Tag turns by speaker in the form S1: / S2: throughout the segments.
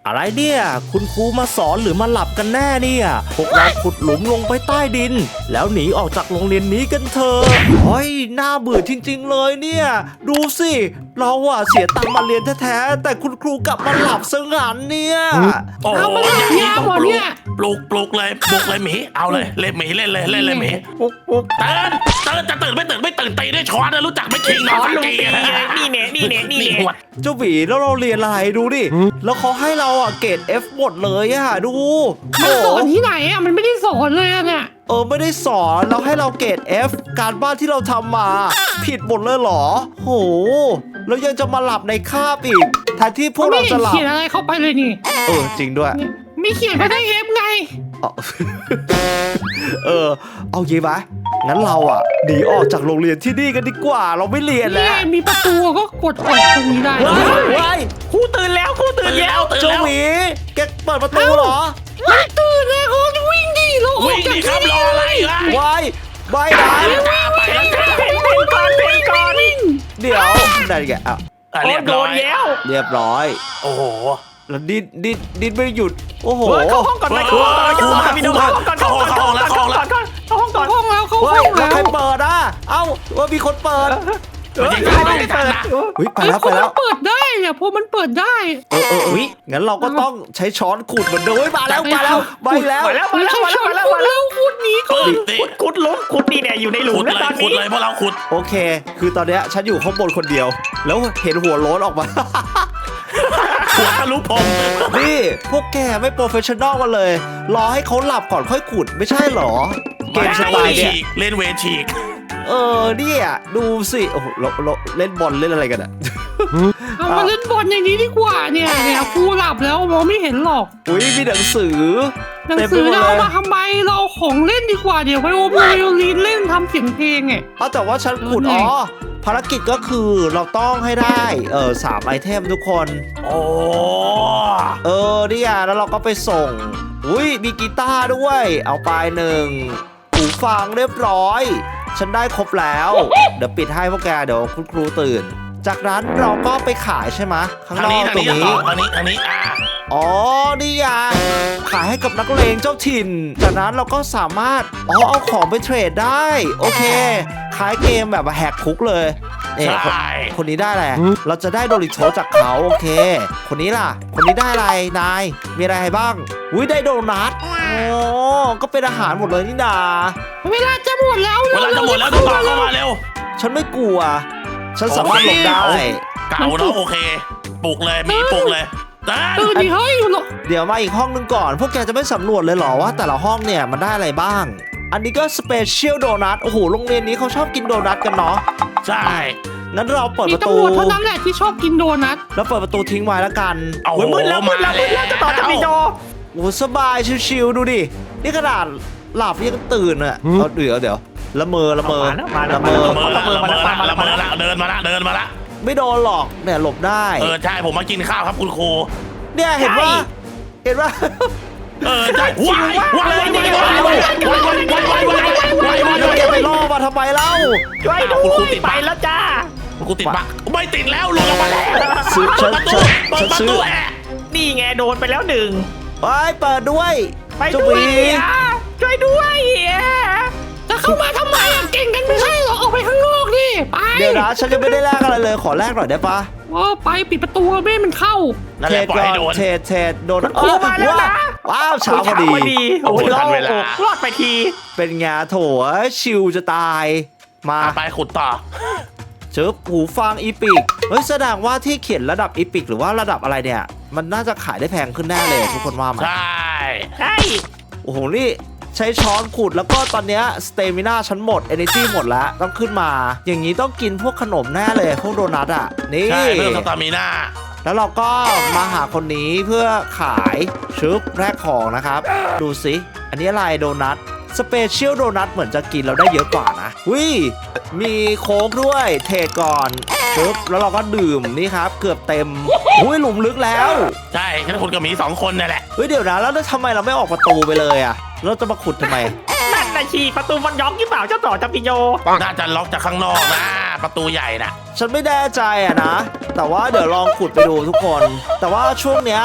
S1: อะไรเนี่ยคุณครูมาสอนหรือมาหลับกันแน่เนี่ยพวกเราขุดหลุมลงไปใต้ดินแล้วหนีออกจากโรงเรียนนี้กันเถอะเฮ้ยน่าเบื่อจริงๆเลยเนี่ยดูสิเราอะเสียตังค์มาเรียนแท้ๆแต่คุณครูกลับมาหลับซะงั้นเนี่ย
S2: โอ้
S3: เอามาเล่นยาหมดเนี่ย
S2: ปลุกเลยหมีเอาเลยเล่นหมีเล่นเลยหมี
S3: ปุ๊ก
S2: ตื่นจะตื่นไม่ตื่นตีด้วยช้อนนะรู้จักไม่คิงนอนตี
S3: นี่เนี่ย
S1: เจ้าหวีแล้วเราเรียนอะไรดูดิแล้วเขาให้เราอะเกรด F หมดเลยอะดู
S3: มันสอนที่ไหนอ่ะมันไม่ได้สอนเลยอ่ะเนี่ย
S1: ไม่ได้สอนเราให้เราเกรด F การบ้านที่เราทำมาผิดหมดเลยเหรอโหแล้วยังจะมาหลับในคาบอีกแทนที่พวก
S3: ไม่
S1: เรา
S3: เห็
S1: จะ
S3: น
S1: หลับ
S3: เขียนอะไรเข้าไปเลยนี่
S1: จริงด้วย
S3: มีเขียนไปได้เอฟไง
S1: เอาเอางี้ปะงั้นเราอ่ะหนีออกจากโรงเรียนที่นี่กันดีกว่าเราไม่เรียน
S3: นี่
S1: แล้ว
S3: ไงมีประตูก็กดออกตรงนี้ได้
S1: ว้าย
S3: ครูตื่นแล้ว
S1: เจ้าหมีแกเปิดประตูเหรอ
S3: ไม่ตื่นเลยเขาจะวิ่งดิเราออ
S2: วิ่
S3: ก
S2: ง
S3: จาก
S2: ดิครั
S3: ที่
S2: บร
S3: นี่
S2: ออะไรล่ะ
S1: ว้ายไม่นะ
S2: ไปแล้วจ้า
S3: เป็นก่อน
S1: เดี๋ยวได้แกอ่ะ
S2: เรียบร้อย
S1: เรียบร้อย
S2: โอ้โห
S1: แล้วดิ้นไม่หยุดโอ้โห
S3: เข้าห้องก่อนไปเข้าห้องก่อนเข้าห้องแล้วเข้าห้องแล้ว
S1: เฮ้ยแล้วใครเปิดอ่ะเอ้าว่ามีคนเปิด
S2: ไม่ทันนะ
S1: ไปแล้วไปแล้ว
S3: เปิดได้เนี่ยพอมันเปิดได้
S1: งั้นเราก็ต้องใช้ช้อนขูดเหมือนเดิมมาแล้วไปแล้ว
S3: ไม่ใช่ช้อนคุณแล้วคุณนี้ก่อน
S4: ขุดนี่เนี่ยอยู่ในหลุมแล้วตอน
S2: ขุ
S4: นี้
S2: ดเลยเพราะเราขุด
S1: โอเค คือตอนเนี้ยฉันอยู่ข้างบนคนเดียว แล้วเห็นหัวโล้นออกมา
S2: หัวทะลุพรม
S1: นี่พวกแกไม่โปรเฟชชั่นอลกันเลย รอให้เขาหลับก่อนค่อยขุดไม่ใช่หรอ เกมสไตล์เนี่ย
S2: เล่นเวฉีก
S1: เนี่ยดูสิโอ้โหเราเล่นบอลเล่นอะไรกันอะ
S3: เอามาเล่นบอลในนี้ดีกว่าเนี่ยครูหลับแล้วมองไม่เห็นหรอก
S1: อุ้ยมีหนังสือ
S3: หนังสือเรามาทำไมเราของเล่นดีกว่าเดี๋ยวไวโอลินเล่นทำเสียงเพลงไง
S1: แต่ว่าฉันขุดภารกิจก็คือเราต้องให้ได้3ไอเทมทุกคน
S2: โอ้
S1: เนี่ยแล้วเราก็ไปส่งอุ้ยมีกีตาร์ด้วยเอาไป1หูฟังเรียบร้อยฉันได้ครบแล้วเดี๋ยวปิดให้พวกแกเดี๋ยวคุณครูตื่นจากนั้นเราก็ไปขายใช่ไหมข้างนอกตรงนี้
S2: ทางนี้
S1: นี่ไงขายให้กับนักเลงเจ้าถิ่นจากนั้นเราก็สามารถเอาของไปเทรดได้โอเคขายเกมแบบแหกคุกเลยคนนี้ได้แหละเราจะได้โดริโชจากเขาโอเคคนนี้ล่ะคนนี้ได้อะไรนายมีอะไรบ้างอุ้ยได้โดนัทก็เป็นอาหารหมดเลยนี่นา
S3: เวลาจะหมดแล้ว
S2: ต้องต่อเข้ามาเร็ว
S1: ฉันไม่กลัวฉันสามารถหลบได้
S2: เก่าเนาะโอเคปลุกเลยมีปลุกเลย
S3: ตื่นดิเฮ้ย
S1: เดี๋ยวมาอีกห้องนึงก่อนพวกแกจะไม่สำรวจเลยเหรอว่าแต่ละห้องเนี่ยมันได้อะไรบ้างอันนี้ก็สเปเชียลโดนัทโอ้โหโรงเรียนนี้เขาชอบกินโดนัทกันเนาะ
S2: ใช่
S1: งั้นเราเปิด
S3: มี
S1: ประตู
S3: ตำรวจเท่านั้นแหละที่ชอบกินโดนัท
S1: แล้วเปิดประตูทิ้งไว้แล้วกัน
S2: เอา
S4: มืดแล้วจะต่อจากพี่โจ
S1: โอ้สบายชิวๆดูดินี่ขนาดหลับยังตื่นอ่ะเดี๋ยวละเมอเดินมา
S2: ละ
S1: ไม่โดนหรอกเนี่ยหลบได้
S2: ใช่ผมมากินข้าวครับคุณครู
S1: เนี่ยเห็นว่า
S2: ใช่
S1: ไปล่อมาทำไมเล่า
S4: ช่วยดูไปแล้วจ้า
S2: คุณครูติดบั๊กไม่ติดแล้วลงมาแล้ว
S1: ฉันซื้อ
S4: นี่ไงโดนไปแล้วหนึ่ง
S1: ไปเปิดด้วย
S4: ไปด้วยช่วยด้วย
S3: จะเข้ามาทำไมเก่งกันไม่ใช่หรอออกไปข้างนอกดิไป
S1: เดี๋ยวนะฉันยังไม่ได้แลกอะไรเลยขอแลกหน่อยได้ปะ
S3: ไปปิดประตูไม่ให้มันเข้า
S1: เทรดก่อนเทรดโดน
S4: มาแล้วนะ
S1: ว้าวเช้าพอดี
S4: โอ้โหรอดไปที
S1: เป็นไงโถชิวจะตายมา
S2: ไปขุดต่อ
S1: หูฟังอีพิกแสดงว่าที่เขียนระดับอีพิกหรือว่าระดับอะไรเนี่ยมันน่าจะขายได้แพงขึ้นแน่เลยทุกคนว่ามั้ย
S2: ใช่
S1: โอ้โหนี่ใช้ช้อนขุดแล้วก็ตอนเนี้ยสเตมิน่าฉันหมด energy หมดแล้วต้องขึ้นมาอย่างนี้ต้องกินพวกขนมแน่เลยพวกโดนัทอ่ะนี่
S2: ใช่เพิ่มสตามิน่า
S1: แล้วเราก็มาหาคนนี้เพื่อขายแรกของนะครับดูสิอันนี้อะไรโดนัทสเปเชียลโดนัทเหมือนจะกินเราได้เยอะกว่านะมีโค้กด้วยเทก่อนแล้วเราก็ดื่มนี่ครับเกือบเต็มหลุมลึกแล้ว
S2: ใช่แค่คุณกับมี2คนนั่นแหละ
S1: เดี๋ยวนะแล้วทำไมเราไม่ออกประตูไปเลยอ่ะเราจะมาขุดทำไม
S4: นั่นนะชีประตูมันล็อกหรือเปล่าเจ้าต่อจากพี่โจ
S2: น่าจะล็อกจากข้างนอกนะประตูใหญ่นะ
S1: ฉันไม่แน่ใจอะนะแต่ว่าเดี๋ยวลองขุดไปดูทุกคนแต่ว่าช่วงเนี้ย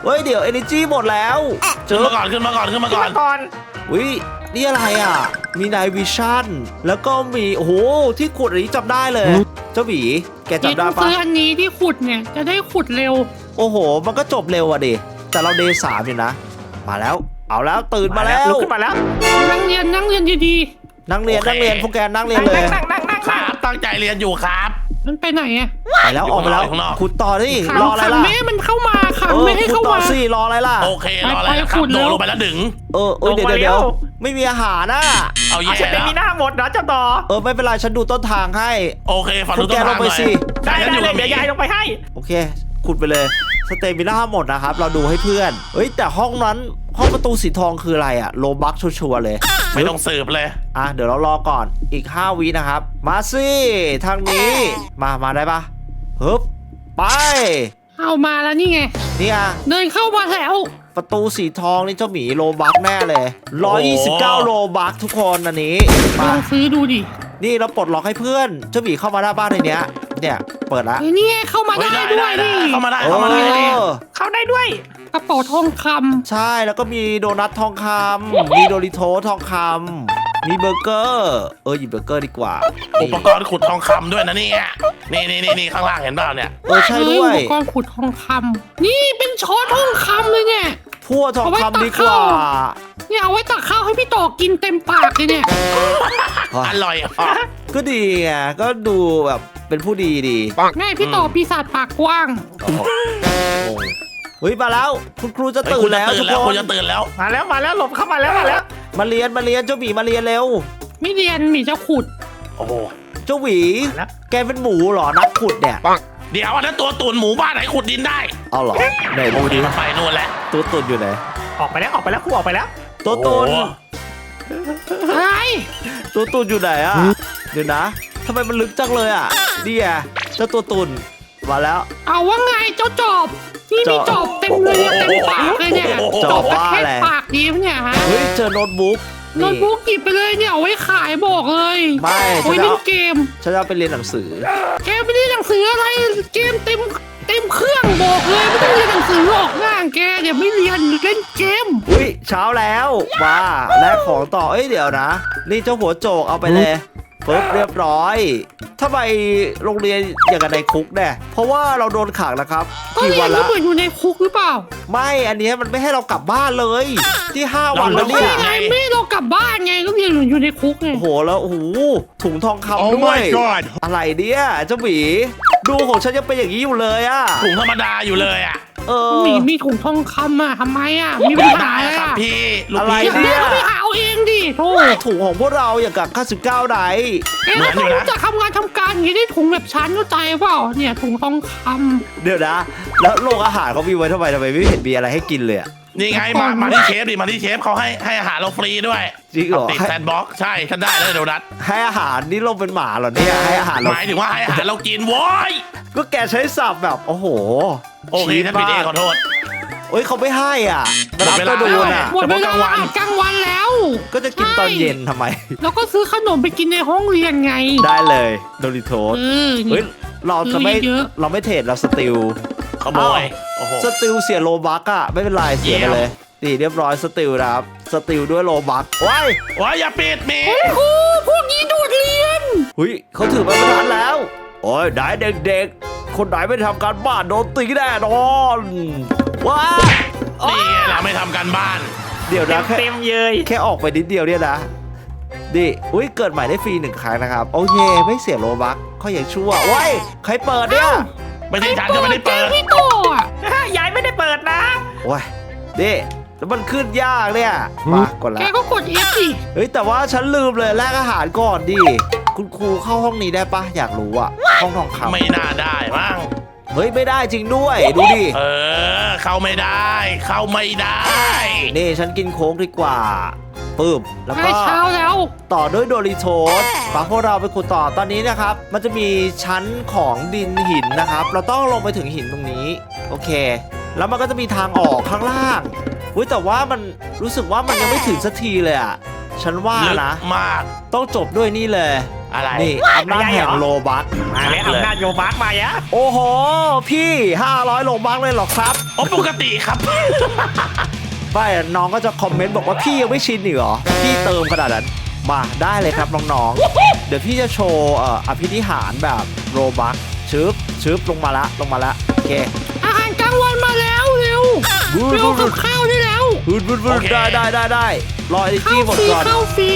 S1: เฮ้ยเดี๋ยว energy หมดแล้วเจ
S2: ขึ้น
S1: อ
S2: มาก่อนขึ้นมาก่อนขึ้นมา
S4: ขึ้น
S2: ก่อน
S4: มาก่อน
S1: อุ้ยนี่อะไรอ่ะมีnight visionแล้วก็มีโอ้โหที่ขุดอันนี้จำได้เลยเจ้าหมีแก
S3: เดี๋ยว
S1: จำได้
S3: ต้อง
S1: ปะ
S3: ซื้ออันนี้ที่ขุดเนี่ยจะได้ขุดเร็ว
S1: โอ้โหมันก็จบเร็วอ่ะดิแต่เรา day 3อยู่นะมาแล้วเอาแล้วตื่นมาแล้ว
S4: ลุกขึ้นมาแล้ว
S3: นั่งเรียนดี
S1: นั่งเรียนพวกแกนั่งเรียน
S4: นั่ง
S1: เลย
S4: นั่ง
S2: ครับตั้งใจเรียนอยู่ครับ
S3: ๆมันไปไหนอะ
S1: ไปแล้วออกไปแล้ว
S2: อยู่ข้างนอก
S1: ขุดต่อดิ
S3: ขัง
S1: รออะไร
S3: ขัง
S1: ล่ะ
S3: ไม่ให้มันเข้ามาขัง
S1: เออ
S3: ไม่ให้
S1: ขุด
S3: เข้า
S1: ต่อ
S3: มา
S1: สิรออะไรล่ะ
S2: โอเครออะไร
S3: ไป
S2: ครับ
S3: ขุด
S2: โด
S3: เร็
S2: ด
S3: ว
S2: ลงไปแล้วดึง
S1: เดี๋ยวไม่มีอาหารนะ
S2: เอา
S4: เอา
S2: แย่
S4: เสร็จเป็
S2: แล้
S4: น
S2: ว
S4: มีหน้าหมดเหรอเจ้าต่อ
S1: ไม่เป็นไรฉันดูต้นทางให้
S2: โอเคฝัน
S1: พว
S2: ดู
S1: ก
S2: ต้
S1: แก
S2: น
S1: ล
S2: ทาง ง
S1: ไป
S2: หน่อย
S1: สิ
S4: ได้
S2: ฉันอยู่
S4: เล
S2: กั
S4: ย
S2: บห
S4: เดี๋ยวยายลงไปให้
S1: โอเคขุดไปเลยสเตมิน่าหมดนะครับเราดูให้เพื่อนเฮ้ยแต่ห้องนั้นห้องประตูสีทองคืออะไรอะโลบักชัวร์ๆเลย
S2: ไม่ต้องสืบเลย
S1: เดี๋ยวเรารอก่อนอีก5วินะครับมาสิทางนี้มาได้ปะฮึบไป
S3: เอามาแล้วนี่ไง
S1: นี่อ่ะ
S3: เดินเข้ามาแล้ว
S1: ประตูสีทองนี่เจ้าหมีโลบักแน่เลย129โลบักทุกคนอันนี้
S3: ล
S1: มา
S3: องซื้อดูดิ
S1: นี่เราปลดล็อกให้เพื่อนเจ้าหมีเข้ามาหน้าบ้านในเนี้ยเนี่ยเปิดละ
S3: เฮ้ยนี่ไงเข้ามา
S2: เฮ้ย
S3: ได้
S2: ได้
S3: ด้วย
S2: ได้
S3: นี่
S2: เข้ามาได้
S1: เอ
S2: เข้ามาได้เลย
S1: อ
S4: เข้าได้ด้วย
S3: กระเป๋าทองค
S1: ใช่แล้วก็มีโดนัททองคำมีโดริโททองคำมีเบอร์เกอร์หยิบเบอร์เกอร์ดีกว่า
S2: อุปกรณ์ขุดทองคำด้วยนะเนี่ยนี่ข้างล่างเห็นเปล่าเนี่ย
S3: ำ
S1: ใช่
S3: เฮ้
S1: ด้ว
S3: อุ
S1: ย
S3: ปกรณ์ขุดทองคำนี่เป็นช้อนทองคำเลยเนี่ย
S1: พั่วทองคำดีกว่า
S3: เนี่ยเอาไว้ตักข้าวให้พี่ต่อกินเต็มปากเลยเนี่ย
S2: อร่อยอ่ะ
S1: ก็ดีไงก็ดูแบบเป็นผู้ดีดี
S3: แม่พี่ต่อปีศาจปากกว้าง
S1: โอ้โหเฮ้ยมาแล้วคุณครูจะตื่
S2: คุ
S1: น
S2: ณจะ
S1: แล้ว
S2: ตื่
S1: ทุ
S2: น
S1: ก
S2: แล้ว
S1: ค
S2: คุ
S1: น
S2: ณจะตื่นแล้ว
S4: มาแล้วหลบเข้ามาแล้วมาแล้ว
S1: มาเรียนเจ้าหมีมาเรียนเร็ว
S3: ไม่เรียนหมีจะขุด
S2: โอ้โห
S1: เจ้าหวี
S4: มาแล้ว
S1: แกเป็นหมูเหรอนักขุดเนี่ย
S2: เดี๋ยวอันนั้นตัวตุ่นหมูบ้านไหนขุดดินได้
S1: เอาเหรอไหน
S2: โอ
S1: ดู
S2: เค
S1: ดิ
S2: มันไปนู่นแล้ว
S1: ตัวตุนอยู่ไหน
S4: ออกไปแล้วครูออกไปแล้ว
S1: ตัวตุน
S2: โอ้โห
S3: อะไร
S1: ตัวตุนอยู่ไหนอ่ะเดี๋ยวนะทำไมมันลึกจังเลยอ่ะนี่ไงเจ้าตัวตุนมาแล้ว
S3: เอาว่าไงเจ้าจอบนี่มีจอบเต็มเลยเต็มปากเลยเนี่ย
S1: จอบว่า
S3: แค่
S1: อะไร
S3: ปากดีมเนี่ยฮะ
S1: เฮ้ยเจอโน้ตบุ๊ก
S3: โน้ตบุ๊กหยิบไปเลยเนี่ยเอาไว้ขายบอกเลย
S1: ไม่
S3: เอาไว้
S1: ฉัน
S3: เล่
S1: เอา
S3: นเกม
S1: ฉันจะเอาไปเรียนหนังสือ
S3: แกไม่ได้หนังสืออะไรเกมเต็มเครื่องบอกเลยไม่ต้องเรียนหนังสือหรอกง่างแกเดี๋ยวไม่เรียนเล่นเกม
S1: อุ้ยเช้าแล้วมาแลกของต่อเดี๋ยวนะ นี่เจ้าหัวโจกเอาไปเลยปึ๊บเรียบร้อยทำไมโรงเรียนอย่างกับในคุกเนี่ยเพราะว่าเราโดนขังนะครับ
S3: ก็
S1: กี่
S3: เรีย
S1: วัน น
S3: ก็
S1: ละ
S3: เหมือนอยู่ในคุกหรือเปล่า
S1: ไม่อันเนี้ยมันไม่ให้เรากลับบ้านเลย ที่5 วันแล้ว
S3: ไม่
S1: เนี่ย
S3: ไงไม่ให้เรากลับบ้านไงก็เรียนอยู่ในคุกไง
S1: โอ้โหแล้วโอ้โหถุงทองคำด้วยอะไรเนี่ยเจ้าหมีดูของฉันยังเป็นอย่างนี้อยู่เลยอะ
S2: ถุงธรรมดาอยู่เลยอ่ะ
S3: มีถุงทองคำอ่ะทำไมอ่ะมีปัญหา
S2: ได้
S3: อะไร
S2: ครับ
S3: อ่ะ
S2: พี่ลูก
S1: อะไร
S2: พี่
S3: อยากได้ก็ไปหาเอาเองดิโธ่
S1: ถุงของพวกเราอย่างกับ99ไหน
S3: แกไม่ต้องรู้จักทำงานทำการอย่างนี้ได้ถุงแบบฉันเข้าใจเปล่าเนี่ยถุงทองค
S1: เดี๋ยวนะ แล้วโรงอาหารเขามีไว้ทำไมไม่เห็นมีอะไรให้กินเลยอะ
S2: นี่ไงมาที่เชฟดิมาที่เชฟเขาให้อาหารเราฟรีด้วย
S1: จริงเหรอ
S2: ติดแซนด์บ็อกซ์ใช่ฉันได้แล้วโดนัท
S1: ให้อาหารนี่เราเป็นหมาเหรอเนี่ยให้อาหาร
S2: ห
S1: เรา
S2: มายถึงว่าให้อาหารเรากินโว้ย
S1: ก็แกใช้สับแบบโอ้โห
S2: โอเคฉันผิดเองขอโทษ
S1: เอ้ยเขาไม่ให้อ่ะ
S2: หมดเวลา
S1: ก็ดู
S3: ำ
S1: น่ะ
S3: หมดเวลา
S2: เฉพาะกลางวัน
S3: อาหารกลางวันแล้ว
S1: ก็จะกินตอนเย็นทำไม
S3: แล้วก็ซื้อขนมไปกินในห้องเรียนไง
S1: ได้เลยโดริโทส
S3: นี่
S1: เฮ้ยเราจะไม่
S3: เยอะ
S1: เราไม่เทรดเราสติล
S2: ขโมยโอ้โห
S1: สติลเสียโลบักอะไม่เป็นไรเสียไปเลยนี่เรียบร้อยสติลนะครับสติลด้วยโลบักว้าย
S2: ว้ายอย่าปิดมี
S3: ครูพวกนี้ดูดเรียน
S1: หุยเขาถือไม้บรรทัดแล้วโอ้ยไหนเด็กๆ คนไหนไม่ทำการบ้านโดนตีแน่นอนว้า
S2: นี่ไงเราไม่ทำการบ้าน
S1: เดี๋ยวนะแค่
S4: เต็มเยย
S1: แค่ออกไปนิดเดียวเนี่ยนะดิอุ้ยเกิดใหม่ได้ฟรี1 ครั้งนะครับโอเคไม่เสียโลบักเขาอย่างชั่วว้ายใครเปิดเนี่ย
S2: ไม่ใช่ฉันก็ไม่ได้เปิด
S3: พี่โตอ่ะ
S4: ยายไม่ได้เปิดนะ
S1: ว้ายดิแล้วมันขึ้นยากเนี่ยมากด
S3: แก
S1: แล้ว
S3: ก็กด F สิ
S1: เฮ้ยแต่ว่าฉันลืมเลยแลกอาหารก่อนดิคุณครูเข้าห้องนี้ได้ปะอยากรู้อะห้องทองคำ
S2: ไม่น่าได้มั้ง
S1: เฮ้ยไม่ได้จริงด้วยดูดิ
S2: เข้าไม่ได้ เข้าไม่ได้
S1: นี่ฉันกินโค้กดีกว่าปึ๊บแล้ว
S3: ใก
S1: ก็
S3: ล้เช้าแล้ว
S1: ต่อด้วยโดริโทสปาพวกเราไปขุดต่อตอนนี้นะครับ มันจะมีชั้นของดินหินนะครับ เราต้องลงไปถึงหินตรงนี้โอเค แล้วมันก็จะมีทางออกข้างล่างอุ้ยแต่ว่ามันรู้สึกว่ามันยังไม่ถึงสักทีเลยอะฉันว่า
S2: ลึก
S1: นะ
S2: มาก
S1: ต้องจบด้วยนี่เลย
S2: อะไร
S1: นี่อำนาจแห่งโลบัค
S4: มาแล้วอำนาจโยบักมายะ
S1: โอ้โห พี่500โลบัคเลยเหรอครับ
S2: โอ้ปกติครับ
S1: ไม่น้องก็จะคอมเมนต์บอกว่าพี่ยังไม่ชินอีกเหรอพี่เติมขนาดนั้นมาได้เลยครับน้องๆเดี๋ยวพี่จะโชว์อภินิหารแบบโลบัคชึบลงมาละโอเค
S3: อาหารกลางวันมาแล้วเร็วเร็วกับข้าวได้แล้ว
S1: วืด
S2: โอเค
S1: ได้รอไอ
S3: ข้า
S1: จี้
S3: ว
S1: หมด
S3: ฟรี
S1: ก่อน
S3: ข้าวฟรี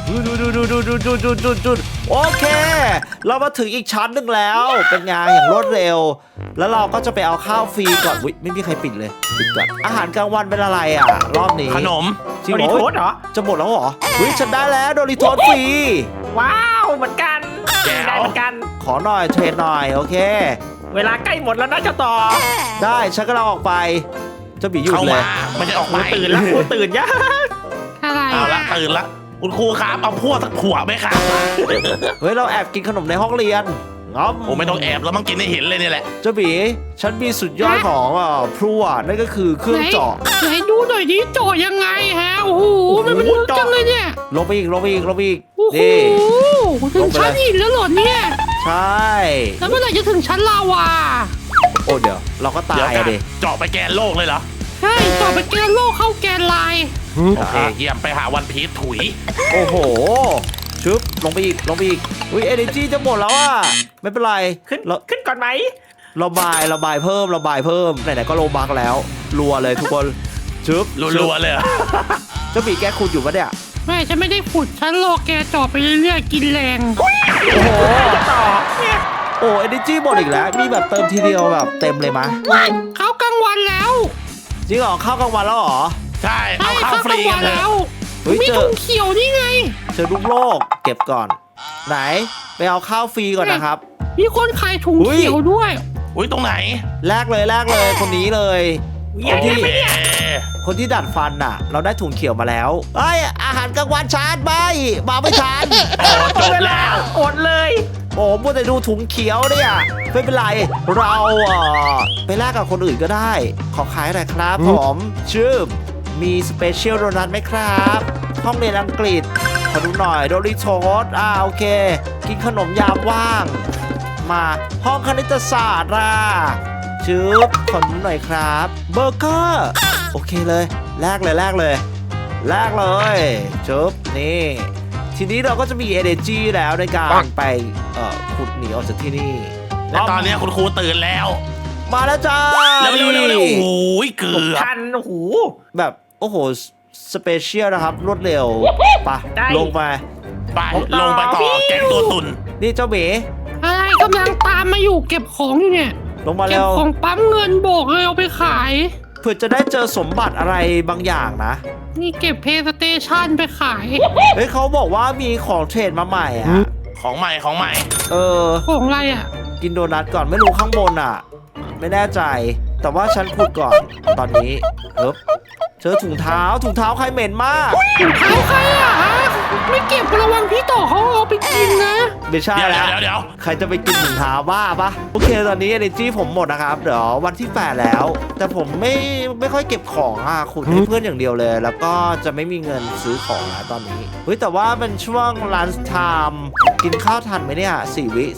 S1: ดูโอเค เรามาถึงอีกชั้นหนึ่งแล้ว เป็นงานอย่างรวดเร็ว แล้วเราก็จะไปเอาข้าวฟรีก่อนอุ๊ยไม่มีใครปิดเลยปิดก่อนอาหารกลางวันเป็นอะไรอ่ะรอบนี้
S2: ขนม
S1: จริง
S4: โด
S1: เหร
S4: ริ
S1: อ
S4: โทสเหรอ
S1: จะหมดแล้วเหรออุ๊ยฉันได้แล้วโดริโทสฟรี
S4: ว้าวเหมือนกัน
S2: แจ๋ว
S4: ได้เหมือนกัน
S1: ขอหน่อยเทรนหน่อยโอเค
S4: เวลาใกล้หมดแล้วนะเจ้าต่อ
S1: ได้ฉันก็เราออกไปเจะบีหยุด
S2: เข้า
S1: เล
S2: มาย มันจะออก
S4: ค
S2: ไป
S4: รูตื่นแล้วครูตื่นยะ
S3: อะไร
S2: เอาละตื่นละคุณครูครับเอาพวกสักขวดไหมครับ
S1: เฮ้ยเราแอบกินขนมในห้องเรียนง้อม
S2: โอ้ไม่ต้องแอบแล้วมันกินให้เห็นเลยนี่แหละ
S1: เจ้าบีฉันมีสุดยอดของพลั่วนั่นก็คือเครื่องเจาะ
S3: ไหนดูหน่อยดิเจาะยังไงฮะโอ้โหมันลึกจังเลยเนี่ย
S1: ลงไปอีก
S3: โอ้โห
S1: นี่
S3: ถึงชั้นหินแล้วเหรอเนี่ย
S1: ใช่
S3: แล้วเมื่อไหร่จะถึงชั้นลาวา
S1: โอ้เดี๋ยวเราก็ตา
S2: เดี๋ยวย กั
S1: อะ
S2: น
S1: ดิ
S2: เจาะไปแกนโลกเลยเหรอ
S3: ใช่ต่อไปแกนโลกเข้าแกนลาย
S2: โอเคเยี่ยมไปหาวันพีชถุย
S1: โอ้โหชึบลงไปอีกอุ้ยเอเนจีจะหมดแล้วอ่ะไม่เป็นไร
S4: ขึ้น
S1: เรา
S4: ขึ้นก่อนไหม
S1: ระบายเพิ่มไหนๆก็โลบักแล้วรัวเลยทุกคนชึบ
S2: รัวๆเลยเหรอ
S1: เจ้าบีแกขุดอยู่ปะเนี่ย
S3: ไม่ฉันไม่ได้ขุดฉันรอแกเจาะไปเรื่อยๆกินแรง
S1: โอ้โห
S4: เจ้าต่อเนี่ย
S1: โอ้เอเนจีหมดอีกแล้วมีแบบเติมทีเดียวแบบเต็มเลยมะ
S3: เข้ากลางวันแล้ว
S1: จริงเหรอข้าวกลางวันแล้วเหรอ
S2: ใช่
S3: ใช่
S2: เอาเข้า
S3: เข้า
S2: ฟ
S3: ก
S2: รี
S3: ลาง
S2: กั
S3: วัน น
S2: เถ
S3: แล้
S2: อะ
S3: ว
S1: เฮ้ย
S3: มี
S1: เจอ
S3: ถุงเขียวนี่ไง
S1: เจอลูกโลกเก็บก่อน ไหนไปเอาข้าวฟรีก่อนนะครับ
S3: มีคนขายถุง
S1: อุ๊ย
S3: เขียวด้วย
S2: อุ้ยตรงไหน
S1: แลกเลยคนนี้เลย
S4: เยี่ยม
S1: ที่
S2: โอเค
S1: คนที่ดัดฟันน่ะ เราได้ถุงเขียวมาแล้วเอ้ยอาหารกลางวันชาร์จไม่มาไม่ทัน
S2: โอ้จบแล้ว
S4: อดเลย
S1: โอ้มัวแต่ดูถุงเขียวเนี่ยไม่เป็นไรเราไปแลกกับคนอื่นก็ได้ ขอขายหน่อยครับผมชื่อมีสเปเชียลโดนัทไหมครับ ห้องเรียนอังกฤษขอดูหน่อยโดริโทสโอเค กินขนมยามว่าง มาห้องคณิตศาสตร์ชืบขอดูหน่อยครับเบอร์เกอร์โอเคเลยแลกเลยชืบนี่ทีนี้เราก็จะมี energy แล้วในการไปขุดหนีออกจากที่นี่
S2: และตอนนี้คุณครูตื่นแล้ว
S1: มาแล้วจ้า
S2: เร็วโอ้ยเกือบ
S4: ทันโอ้โห
S1: แบบโอ้โหสเปเชียลนะครับ รวดเร็วไปะ
S4: ได้
S1: ลงมา
S2: ไปลงไปต่อแก๊งตัวตุน
S1: นี่เจ้าเบ๋
S3: อะไรกำลังตามมาอยู่เก็บของอยู่เนี่ย
S1: ลงมา
S3: เก็บ
S1: เร็ว
S3: ของปั๊มเงินบอกเลยเอาไปขาย
S1: เพื่อจะได้เจอสมบัติอะไรบางอย่างนะ
S3: นี่เก็บเพย์สเตชันไปขาย
S1: เฮ้ยเขาบอกว่ามีของเทรดมาใหม่อ่ะ
S2: ของใหม่
S1: เออ
S3: ของอะไรอ่ะ
S1: กินโดนัทก่อนไม่รู้ข้างบนอ่ะ ไม่แน่ใจ แต่ว่าฉันขุดก่อนตอนนี้เจอถุงเท้าใครเหม็นมาก
S3: ถุงเท้าใครอ่ะฮะไม่เก็บระวังพี่ต่อเขาเอาไปกินนะ
S1: ไม่ใช่
S2: เดี๋ยว
S1: แล้ว
S2: เดี๋ยว
S1: ใครจะไปกินถุงเท้าบ้าปะโอเคตอนนี้ energy ผมหมดนะครับเดี๋ยววันที่ 8 แล้ว แต่ผมไม่ค่อยเก็บของขุดให้เพื่อนอย่างเดียวเลย แล้วก็จะไม่มีเงินซื้อของแล้วตอนนี้เฮ้ยแต่ว่าเป็นช่วง lunch time กินข้าวทันไหมเนี่ย4 วิ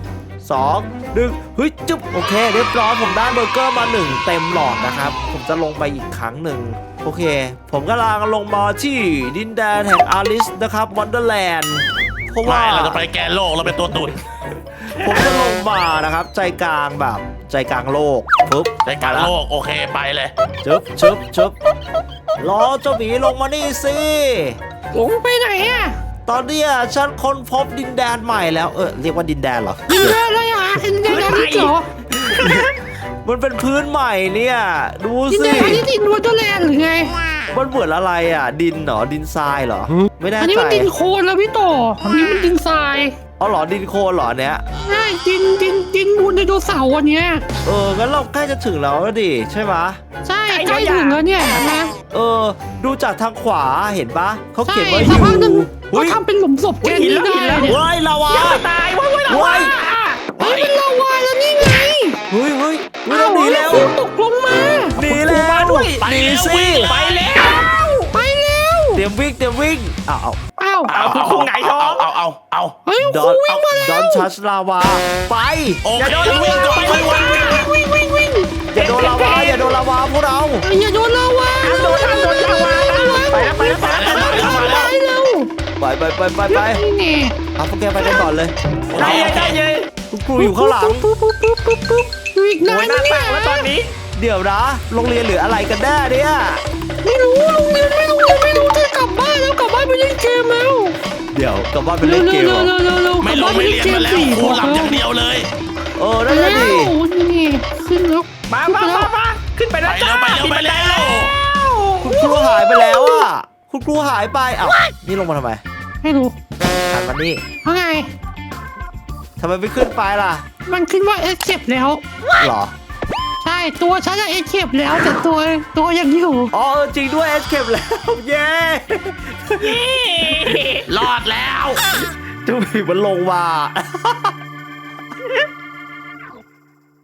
S1: 3 2 1เฮ้ยจุ๊บโอเคเรียบร้อยผมได้เบอร์เกอร์มา1เต็มหลอดนะครับผมจะลงไปอีกครั้งหนึ่งโอเค ผมกำลังลงมาที่ดินแดนแห่งอาริสนะครับวันเดอร์แลนด์เพราะว่า
S2: เราจะไปแกนโลกเราเป็นตัวตุน
S1: ผมจะลงมานะครับ ใจกลางแบบใจกลางโลกปุ๊บ
S2: ในการโลกโอเคไปเลย
S1: ชึบรอเจ้าหมีลงมานี่สิ
S3: หลงไปไหนอ่ะ
S1: ตอนเนี้ยฉันค้นพบดินแดนใหม่แล้วเรียกว่าดินแดนเหรอ
S3: ดินแดนอะไรอ่ะดินแดนอาริสเหรอ
S1: มันเป็นพื้นใหม่เนี่ยดู
S3: ดิน
S1: สิ
S3: แดนอาริสอินวอเตอร์แลนด์หรือไง
S1: มันเหมือนอะไรดินเหรอดินทรายเหรอไม่แน่
S3: อันนี้
S1: ใจ
S3: มันดินโคลนแล้วพี่ต่ออันนี้มันดินทราย
S1: เอาเหรอดินโคลนเหรอเนี้ย
S3: ใช่ดินมูลไดโนเสาร์อันเนี้ย
S1: งั้นเราใกล้จะถึงแล้วดิใช่ไหม
S3: ใช่ใกล้ถึงแล้วเนี่ยนะ
S1: ดูจากทางขวาเห็นปะเขา
S3: ใช่
S1: เขียนว่าอ
S3: สัก
S1: ยู่
S3: พักหนึ่งก็
S1: เฮ้ย
S3: ทำเป็นหลุมศพแกนนี้ได้เนี่ย
S1: เฮ้ยลาวา
S4: อย่าไปตายว้ายว้าย
S1: เฮ้ย
S3: เฮ้ยเป็นลาวาแล้วนี่ไง
S1: เฮ้ยเราหนี
S3: แล้
S1: แล้ว ว
S3: คุณตกลงมา
S1: หนีแล้ว
S2: ไป
S1: หนี
S2: แล้ว
S1: สิ
S2: วิ่ง
S4: ไปแล้ว
S3: ไปแล้ว
S1: เตรียมวิ่งอ้าว
S3: อ้า
S4: เอาคุณครูหงายท้อง
S2: เอา
S3: เฮ้ย
S1: ด
S3: ค
S1: อ
S3: รู
S1: น
S3: วิ่งมาแล้ว
S1: ดอนทัชลาวาไป
S2: โอเควิ่งก่อนวิ่งก่อน
S3: วิ่งวิ่งวิ่ง
S1: อย่าโดนลาวาอย่าโดนลาวาพวกเรา
S3: อย่าโดนลาวา
S4: ห้ามโดนลาวานะไปแล้วไปแล้วไปแล้ว
S3: ไปเร็ว
S1: ไป
S3: นี่ไง
S1: เอาพวกแกไปกันก่อนเลย
S4: ได้เลยได้เลย
S1: คุณครูอยู่ข้างหลัง
S3: ปุ๊บอยู่อีก
S4: โอ้
S3: นาย น
S4: หน้า
S3: เนี่ย
S4: ตั้งแล้วตอนนี้
S1: เดี๋ยวนะโรงเรียนหรืออะไรกันแน่เนี่ย
S3: ไม่รู้โรงเรียนไม่รู้จะกลับบ้านแล้วกลับบ้านไปเล่นเกมแล้ว
S1: เดี๋ยวกลับบ้านไป
S3: เร็
S1: เล่
S3: วน
S1: เกมเหรอ
S3: เร็ว
S2: ไม่ลงไม่เรียนมาแล้วครูหลับอย่างเดียวเลย
S1: นั่นแหละดิ
S3: นี่ขึ้นแล้ว
S4: มาขึ้นไปแล้วจ้า
S2: ไปแล้ว
S1: คุณครูหายไปแล้วอ่ะคุณครูหายไปอ้าวนี่ลงมาทำไม
S3: ไม่รู้
S1: หันมานี่
S3: ว่าไง
S1: ทำไมไม่ขึ้นไปล่ะ
S3: มันขึ้นว่าเอสเก็บแล้ว
S1: หรอ
S3: ใช่ตัวฉันอะเอสเก็บแล้วแต่ตัวยังอยู่
S1: อ๋อจริงด้วยเอสเคปแล้ว เย้
S2: รอดแล้ว
S1: เจ้าผีมันลงมา